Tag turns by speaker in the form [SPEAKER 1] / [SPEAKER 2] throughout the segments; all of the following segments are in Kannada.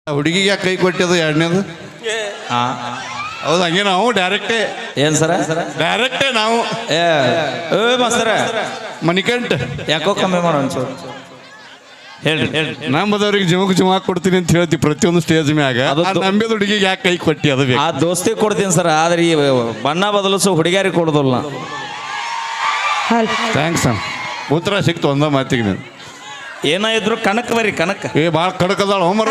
[SPEAKER 1] ಹುಡುಗಿಗೆ ಯಾಕೆ ಕೈ ಕೊಟ್ಟಿದ್ದು ಎರಡನೇದು? ಹೌದು, ಹಂಗೆ ನಾವು ಡೈರೆಕ್ಟೇ.
[SPEAKER 2] ಏನ್ ಸರ?
[SPEAKER 1] ಡೈರೆಕ್ಟೇ ನಾವು.
[SPEAKER 2] ಏ ಮಾಸ್ತರ
[SPEAKER 1] ಮಣಿಕಂಠ
[SPEAKER 2] ಯಾಕೋ ಕಮ್ಮಿ ಮಾಡೋ ಒಂಚೂರು ಹೇಳ್ರಿ.
[SPEAKER 1] ನಂಬದವ್ರಿಗೆ ಜಮಕ್ ಕೊಡ್ತೀನಿ ಅಂತ ಹೇಳ್ತಿ ಪ್ರತಿಯೊಂದು ಸ್ಟೇಜ್ ಮ್ಯಾಗ. ನಂಬಿದ ಹುಡುಗಿಗೆ ಯಾಕೆ ಕೈ ಕೊಟ್ಟಿ? ಅದು
[SPEAKER 2] ಆ ದೋಸ್ತಿ ಕೊಡ್ತೀನಿ ಸರ್, ಆದ್ರೆ ಈ ಬಣ್ಣ ಬದಲಿಸೋ ಹುಡುಗಿಯರಿಗೆ ಕೊಡೋದಿಲ್ಲ.
[SPEAKER 1] ಥ್ಯಾಂಕ್ಸ್ ಅಣ್ಣ, ಉತ್ತರ ಸಿಕ್ತು ಒಂದ ಮಾತಿಗೆ. ನೀನು
[SPEAKER 2] ಏನಾದ್ರು ಕಣಕ್ ಬರ್ರಿ, ಕಣಕ್
[SPEAKER 1] ಭಾಳ ಕಡಕದಾಳ ಹೋಮರ.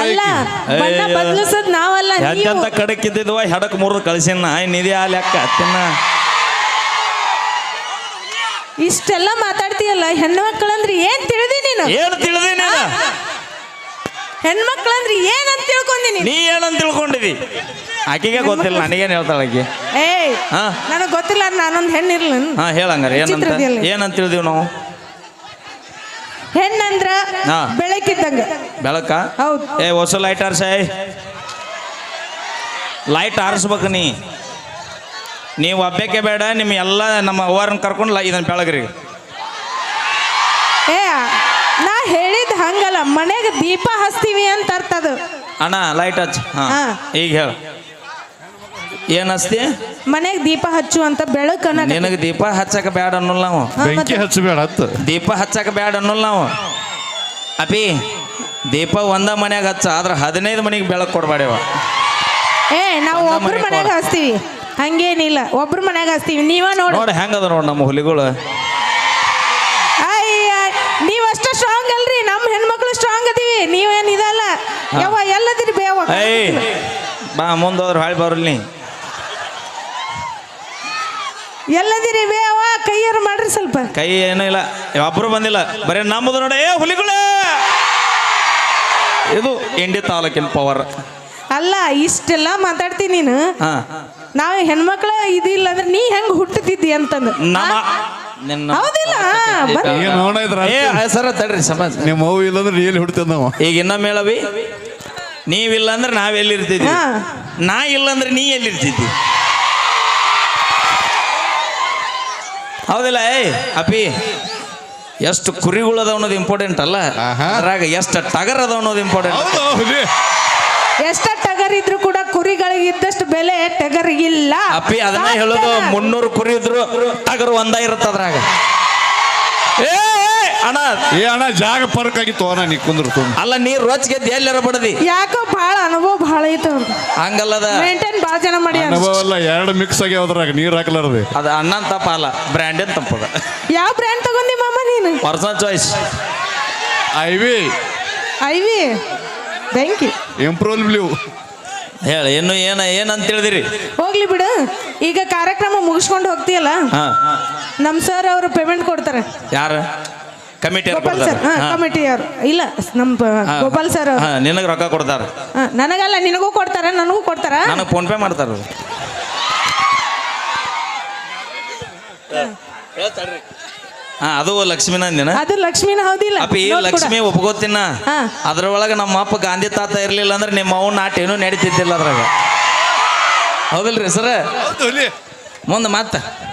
[SPEAKER 2] ಎಂತ ಕಡಕ್ ಇದ್ದಿದ್ವ ಹೆಡಕ್ ಮುರಿದು ಕಳ್ಸಿನ ನಿಧಿ ಆ ಲೆಕ್ಕ ತಿನ್ನ.
[SPEAKER 3] ಇಷ್ಟೆಲ್ಲ ಮಾತಾಡ್ತೀಯಲ್ಲ, ಹೆಣ್ಮಕ್ಳಂದ್ರೆ ಏನ್ ತಿಳಿದಿ ನೀನು?
[SPEAKER 2] ಏನು ತಿಳಿದಿ ನೀನು?
[SPEAKER 3] ಹೆಣ್ಮಕ್ಳಂದ್ರೆ ಏನಂತ ತಿಳ್ಕೊಂಡಿ
[SPEAKER 2] ನೀ ಏನಂತ ತಿಳ್ಕೊಂಡಿದಿ? ಆಕೆಗೆ ಗೊತ್ತಿಲ್ಲ, ನನಗೇನು ಹೇಳ್ತಾಳ ಆಕೆ?
[SPEAKER 3] ಏಯ್ ನನಗ್ ಗೊತ್ತಿಲ್ಲ, ನಾನೊಂದ್ ಹೆಣ್ಣಿರ್ಲ.
[SPEAKER 2] ಹಾ ಹೇಳಂಗಾರ ಏನಂತ ತಿಳಿದಿವ್ ನಾವು?
[SPEAKER 3] ಹೆಣ್ಣಂದ್ರ ಬೆಳಕಿದ್ದಂಗ.
[SPEAKER 2] ಬೆಳಕ?
[SPEAKER 3] ಹೌದು.
[SPEAKER 2] ಹೊಸ ಲೈಟ್ ಆರ್ಸಾಯ್, ಲೈಟ್ ಆರಿಸ್ಬೇಕು. ನೀವು ಹಬ್ಬಕ್ಕೆ ಬೇಡ, ನಿಮ್ಮ ಎಲ್ಲ ನಮ್ಮ ಅವ್ವರನ್ನ ಕರ್ಕೊಂಡು ಇದನ್ನ ಬೆಳಗ್ರಿ.
[SPEAKER 3] ನಾ ಹೇಳಿದ್ ಹಂಗಲ್ಲ, ಮನೆಗೆ ದೀಪ ಹಚ್ತೀವಿ ಅಂತ ಅರ್ಥದು.
[SPEAKER 2] ಅಣ್ಣ ಲೈಟ್ ಹಚ್ಚ. ಈಗ ಹೇಳ, ಏನ್ ಹಚ್ತಿ?
[SPEAKER 3] ಮನೆಗೆ ದೀಪ ಹಚ್ಚು ಅಂತ ಬೆಳಕು.
[SPEAKER 2] ನಿನಗೆ ದೀಪ ಹಚ್ಚಕ ಬೇಡ ಅನ್ನೋಲ್ಲ ನಾವು.
[SPEAKER 1] ಬೆಂಕಿ ಹಚ್ಚಬೇಡ,
[SPEAKER 2] ದೀಪ ಹಚ್ಚಕ ಬೇಡ ಅನ್ನೋಲ್ಲ ನಾವು. ಅಪಿ ದೀಪ ಒಂದ ಮನ್ಯಾಗ ಹಚ್ಚ, ಆದ್ರೆ 15 ಮನೆಗೆ ಬೆಳಕು ಕೊಡ್ಬೇಡವ.
[SPEAKER 3] ನಾವು ಒಬ್ರು ಮನ್ಯಾಗ ಹಚ್ತೀವಿ, ಹಂಗೇನಿಲ್ಲ. ಒಬ್ರು ಮನ್ಯಾಗ ಹಚ್ತೀವಿ. ನೀವ ನೋಡಿ
[SPEAKER 2] ಹೆಂಗದ ನೋಡ್ ನಮ್ಮ ಹುಲಿಗಳು.
[SPEAKER 3] ನೀವಷ್ಟ ಸ್ಟ್ರಾಂಗ್ ಅಲ್ರಿ, ನಮ್ಮ ಹೆಣ್ಮಕ್ಳು ಸ್ಟ್ರಾಂಗ್ ಅದೀವಿ. ನೀವೇನ್ ಇದಲ್ಲ ಯಾವ ಎಲ್ಲದಿರಿ ಬೇವ.
[SPEAKER 2] ಬಾ ಮುಂದೋದ್ರ ಹಾಳಿ ಬರಲಿ.
[SPEAKER 3] ಎಲ್ಲದಿರಿ ಬೇವ, ಕೈಯಾರು ಮಾಡ್ರಿ ಸ್ವಲ್ಪ.
[SPEAKER 2] ಕೈ ಏನೂ ಇಲ್ಲ, ಒಬ್ರು ಬಂದಿಲ್ಲ, ಬರೀ ನಮ್ಮದು ನೋಡ. ಹುಲಿಗಳೇ, ಇದು ಇಂಡಿ ತಾಲೂಕಿನ ಪವರ್
[SPEAKER 3] ಅಲ್ಲ. ಇಷ್ಟೆಲ್ಲ ಮಾತಾಡ್ತೀನಿ ನೀನು. ನಾವು ಹೆಣ್ಮಕ್ಳ ಇದಿಲ್ಲ ಅಂದ್ರೆ ನೀ ಹೆಂಗ್ ಹುಟ್ಟುತ್ತಿದ್ದಿ ಅಂತಂದು. ಹೌದಿಲ್ಲ?
[SPEAKER 2] ಸರ ತಡ್ರಿ ಸಮಾಜ.
[SPEAKER 1] ನಿಮ್ಮ ಮಗು ಇಲ್ಲಂದ್ರೆ ಎಲ್ಲಿ ಹುಡ್ತೇವೆ ನಾವು? ಈಗ
[SPEAKER 2] ಇನ್ನೊಮ್ಮೆ ಹೇಳವಿ, ನೀವಿಲ್ಲ ಅಂದ್ರೆ ನಾವೆಲ್ಲಿರ್ತಿದ್ವಿ, ನಾ ಇಲ್ಲ ಅಂದ್ರೆ ನೀ ಎಲ್ಲಿರ್ತಿದ್ದಿ? ಹೌದಿಲ್ಲ? ಅಪಿ ಎಷ್ಟು ಕುರಿಗಳು ಅದ ಅನ್ನೋದು ಇಂಪಾರ್ಟೆಂಟ್ ಅಲ್ಲ, ಅದ್ರಾಗ ಎಷ್ಟು ಟಗರ್ ಅದ ಅನ್ನೋದು ಇಂಪಾರ್ಟೆಂಟ್.
[SPEAKER 3] ಎಷ್ಟ ಟಗರ್ ಇದ್ರು ಕೂಡ ಕುರಿಗಳಿಗೆ ಇದ್ದಷ್ಟು ಬೆಲೆ ಟಗರಿಗಿಲ್ಲ.
[SPEAKER 2] ಅಪ್ಪಿ ಅದನ್ನ ಹೇಳೋದು. 300 ಕುರಿ ಇದ್ರು ಟಗರು ಒಂದ ಇರುತ್ತ ಅದ್ರಾಗ.
[SPEAKER 1] ಅಣ್ಣ ಜಾಗ ಪರ್ಕ್ ಆಗಿತ್ತು ಅಣ್ಣ, ನೀ ಕುಂದ್ರು.
[SPEAKER 2] ಅಲ್ಲ, ನೀರ್ ರೋಚ್ಗೆ ಎಲ್ಲಾರ ಬಡದಿ.
[SPEAKER 3] ಯಾಕೋ ಭಾಳ ಅನುಭವ ಭಾಳ ಐತ.
[SPEAKER 2] ಹಂಗಲ್ಲದ,
[SPEAKER 3] ಮೇಂಟೈನ್ ಭಾಳ ಜನ ಮಾಡಿ.
[SPEAKER 1] ಅನುಭವ ಅಲ್ಲ, ಎರಡು ಮಿಕ್ಸ್ ಆಗಿ ಅದ್ರಾಗ ನೀರ್ ಹಾಕ್ಲಾರ್ದೆ.
[SPEAKER 2] ಅದ ಅಣ್ಣನ್ ತಪ್ಪ ಅಲ್ಲ, ಬ್ರ್ಯಾಂಡಿನ ತಪ್ಪದ.
[SPEAKER 3] ಯಾವ ಬ್ರ್ಯಾಂಡ್ ತಗೊಂಡಿ ಮಾಮ ನೀನು?
[SPEAKER 2] ಪರ್ಸನಲ್ ಚಾಯ್ಸ್
[SPEAKER 1] ಐವಿ.
[SPEAKER 3] Thank you.
[SPEAKER 1] Improve blue.
[SPEAKER 2] ಹೇಳಿ ಇನ್ನು ಏನಂತ ಹೇಳಿದಿರಿ?
[SPEAKER 3] ಹೋಗ್ಲಿ ಬಿಡು. ಈಗ ಕಾರ್ಯಕ್ರಮ ಮುಗಿಸ್ಕೊಂಡು ಹೋಗ್ತೀಯಲ್ಲ, ನಮ್ ಸರ್ ಅವರು ಪೇಮೆಂಟ್ ಕೊಡ್ತಾರೆ.
[SPEAKER 2] ಯಾರು? ಕಮಿಟಿ
[SPEAKER 3] ಕಮಿಟಿ ಅವರು ಇಲ್ಲ, ನಮ್ ಗೋಪಾಲ್ ಸರ್ ಅವರು.
[SPEAKER 2] ನಿನಗೆ ರೊಕ್ಕ ಕೊಡ್ತಾರ?
[SPEAKER 3] ನನಗಲ್ಲ, ನಿನಗೂ ಕೊಡ್ತಾರ, ನನಗೂ ಕೊಡ್ತಾರ.
[SPEAKER 2] ನನಗೆ ಫೋನ್ ಪೇ ಮಾಡ್ತಾರ. ಅದು ಲಕ್ಷ್ಮಿನ ಅಂದಿನ?
[SPEAKER 3] ಅದು ಲಕ್ಷ್ಮಿನ. ಹೌದಿಲ್ಲ?
[SPEAKER 2] ಅಪ್ಪಿ ಲಕ್ಷ್ಮಿ ಒಪ್ಕೋತಿನ. ಅದ್ರೊಳಗೆ ನಮ್ಮ ಅಪ್ಪ ಗಾಂಧಿ ತಾತ ಇರ್ಲಿಲ್ಲ ಅಂದ್ರೆ ನಿಮ್ಮ ಅವ್ನ ನಾಟ ಏನೂ ನಡೀತಿದ್ದಿಲ್ಲ ಅದ್ರಾಗ. ಹೌದಿಲ್ರಿ ಸರ? ಮುಂದೆ ಮತ್ತ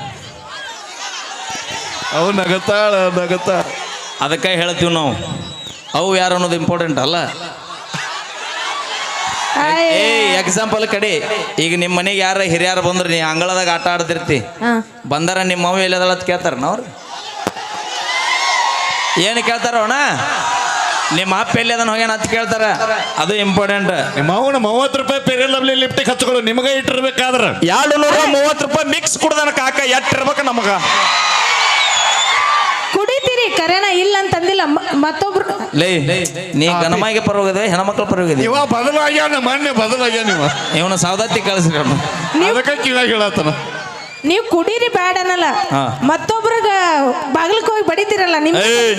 [SPEAKER 1] ಅವು ನಗತಾಳ.
[SPEAKER 2] ಅದಕ್ಕೆ ಹೇಳ್ತೀವಿ ನಾವು, ಅವು ಯಾರು ಅನ್ನೋದು ಇಂಪಾರ್ಟೆಂಟ್ ಅಲ್ಲ. ಎಕ್ಸಾಂಪಲ್ ಕಡೆ, ಈಗ ನಿಮ್ಮ ಮನೆಗೆ ಯಾರ ಹಿರಿಯರು ಬಂದ್ರೆ ನೀ ಅಂಗಳದಾಗ ಆಟ ಆಡ್ತಿರ್ತಿ, ಬಂದಾರ ನಿಮ್ಮ ಅವು ಎಲ್ಲದಲ್ಲ ಅಂತ ಕೇಳ್ತಾರ ನಾವ್ರು? ಏನು ಕೇಳ್ತಾರ ಅಣ್ಣ? ನಿಮ್ಮ ಅಪ್ಪ ಎಲ್ಲಿ ಅದನ್ನ ಹೋಗ್ಯಾನ ಅಂತ ಕೇಳ್ತಾರ. ಅದು ಇಂಪಾರ್ಟೆಂಟ್.
[SPEAKER 1] ನಿಮ್ಮ ಅವನ 30 ರೂಪಾಯಿ ಪೇರಿಯಲ್ ಲವ್ಲಿ ಲಿಫ್ಟಿಗೆ ಹಚ್ಕೊಳ್ಳು, ನಿಮಗೆ ಇಟ್ಟಿರ್ಬೇಕಾದ್ರೆ
[SPEAKER 2] 230 ರೂಪಾಯಿ ಮಿಕ್ಸ್ ಕುಡ್ದನ ಕಾಕ ಎಟ್ಟಿರ್ಬೇಕು ನಮಗ.
[SPEAKER 3] ಕುಡಿತೀರಿ ಕರೆನ, ಇಲ್ಲ ಅಂತಂದಿಲ್ಲ. ಮತ್ತೊಬ್ರು
[SPEAKER 2] ನೀ ಗಣಮಾಯಿಗೆ ಪರವಾಗಿದೆ, ಹೆಣ್ಮಕ್ಳ ಪರವಾಗಿದೆ.
[SPEAKER 1] ಇವ ಬದಲಾಗ್ಯಾನ, ಮೊನ್ನೆ ಬದಲಾಗ್ಯಾನ. ಇವನ
[SPEAKER 2] ಸೌದತ್ತಿ ಕಳಿಸ್ರಿ
[SPEAKER 1] ಅದಕ್ಕೆ ಕಿವಾಗ ಹೇಳತ್ತನ.
[SPEAKER 3] ನೀವು ಕುಡೀರಿ ಬ್ಯಾಡ ಅನ್ನಲ್ಲ, ಮತ್ತೊಬ್ರಗ ಬಾಗಿಲಕ್ಕೆ ಹೋಗಿ ಬಡಿತೀರಲ್ಲ. ನಿಮ್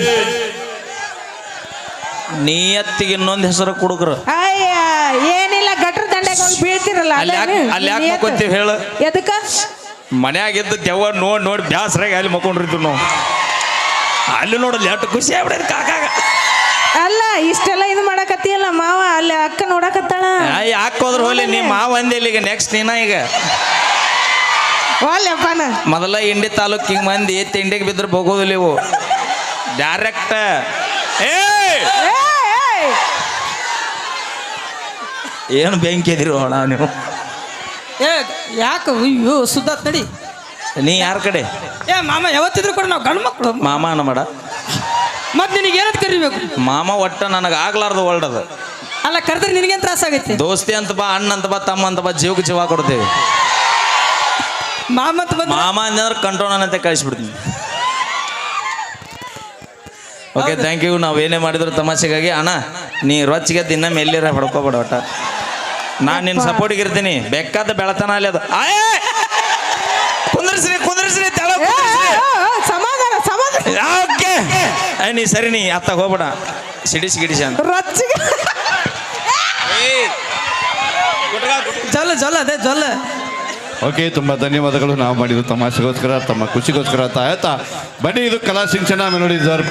[SPEAKER 2] ನಿಯತ್ತಿಗೆ ಇನ್ನೊಂದು ಹೆಸರು ಕುಡುಕರು.
[SPEAKER 3] ಏನಿಲ್ಲ, ಗಟ್ರ ದಂಡೆಗೆ ಹೋಗಿ ಬೀಳ್ತಿರಲ್ಲ.
[SPEAKER 2] ಅಲ್ಲಿ ಯಾಕೆ ಮಕ್ಕೊಂತೀವಿ ಹೇಳು?
[SPEAKER 3] ಎದಕ್ಕ?
[SPEAKER 2] ಮನ್ಯಾಗಿದ್ದು ದೆವ್ವ ನೋಡಿ ಬ್ಯಾಸರಾಗಿ ಅಲ್ಲಿ ಮಕ್ಕೊಂಡಿರ್ತೀವಿ ನಾವು. ಅಲ್ಲಿ ನೋಡಲ್ಲ ಎಷ್ಟು ಖುಷಿ ಆಗ್ಬಿಡೋದು ಕಾಕಾಗ.
[SPEAKER 3] ಅಲ್ಲ, ಇಷ್ಟೆಲ್ಲ ಇದು ಮಾಡಕತ್ತೀಯಲ್ಲ ಮಾವ, ಅಲ್ಲಿ ಅಕ್ಕ ನೋಡಕತ್ತಾಳ.
[SPEAKER 2] ಯಾಕೆ ಹೋದ್ರ ಹೋಲಿ, ನಿಮ್ಮ ಮಾವ ಅಂದಿಲ್ಲ. ಈಗ ನೆಕ್ಸ್ಟ್ ನೀನ ಈಗ ಮೊದಲ ಇಂಡಿ ತಾಲೂಕಿಗೆ ಮಂದಿ ತಿಂಡಿಗೆ ಬಿದ್ರೆ ಹೋಗೋದಿಲ್ಲ ಇವು ಡೈರೆಕ್ಟ್. ಏನು ಬೆಂಕಿ ಎದಿರು ಅಣ್ಣ ನೀವು?
[SPEAKER 4] ಏ ಯಾಕೆ ಅಯ್ಯೋ ಸುದ್ದಾತ್ ನಡಿ.
[SPEAKER 2] ನೀ ಯಾರ ಕಡೆ?
[SPEAKER 4] ಏ ಮಾಮ ಯಾವತ್ತಿದ್ರು ಕೂಡ ನಾವು ಗಂಡು ಮಕ್ಕಳು.
[SPEAKER 2] ಮಾಮ ಅನ್ನಬೇಡ.
[SPEAKER 4] ಮತ್ತೆ ನಿನಗೆ ಏನಂತ ಕರಿಬೇಕು?
[SPEAKER 2] ಮಾಮ ಒಟ್ಟ ನನಗೆ ಆಗ್ಲಾರ್ದು ಒಳ್ಡದು.
[SPEAKER 4] ಅಲ್ಲ ಕರೆದ್ರೆ ನಿನಗೇನು ತ್ರಾಸ ಆಗೈತಿ?
[SPEAKER 2] ದೋಸ್ತಿ ಅಂತ ಬಾ, ಅಣ್ಣ ಅಂತ ಬಾ, ತಮ್ಮ ಅಂತ ಬಾ, ಜೀವಕ್ಕೆ ಜೀವ ಕೊಡ್ತೇವೆ.
[SPEAKER 4] ಮಾಮ ಅಂತ ಬಂದು
[SPEAKER 2] ಮಾಮ ಅಂದ್ರೆ ಕಂಟ್ರೋಲ್ ಅಂತ ಕಳಿಸ್ಬಿಡ್ತೀನಿ. Okay, thank you. ನಾವೇನೇ ಮಾಡಿದ್ರು ತಮಾಷೆಗಾಗಿ. ಅಣ್ಣ ನೀ ರೊಚ್ಚಿಗೆ ದಿನ ಮೇಲಿರ ಹೊಡ್ಕೋಬೇಡ ಒಟ್ಟ. ನಾನು ನಿನ್ನ ಸಪೋರ್ಟಿಗೆ ಇರ್ತೀನಿ. ಬೇಕಾದ ಬೆಳತನ ಅಲ್ಲಿ ಅದು. ಕುಂದ್ರಿಸ್ರಿ ತೆಳ
[SPEAKER 3] ಸಮಾಧಾನ ಸಮಾಧಾನ.
[SPEAKER 2] ಓಕೆ ನೀ ಸರಿ, ನೀ ಅತ್ತಾಗ ಹೋಗ್ಬೇಡ. ಸಿಡಿಸಿ ಗಿಡಿಸಿ ಅಂತ
[SPEAKER 3] ರೊಚ್ಚಿಗೆ
[SPEAKER 4] ಜೊಲ್ಲ ಜೊಲ್ಲ ಅದೇ ಜೊಲ್ಲ.
[SPEAKER 1] ಓಕೆ, ತುಂಬ ಧನ್ಯವಾದಗಳು. ನಾವು ಮಾಡಿದ್ದು ತಮಾಷೆಗೋಸ್ಕರ, ತಮ್ಮ ಖುಷಿಗೋಸ್ಕರ ಆಯ್ತಾ. ಬನ್ನಿ, ಇದು ಕಲಾ ಸಿಂಚನ ಮೆಲೋಡಿ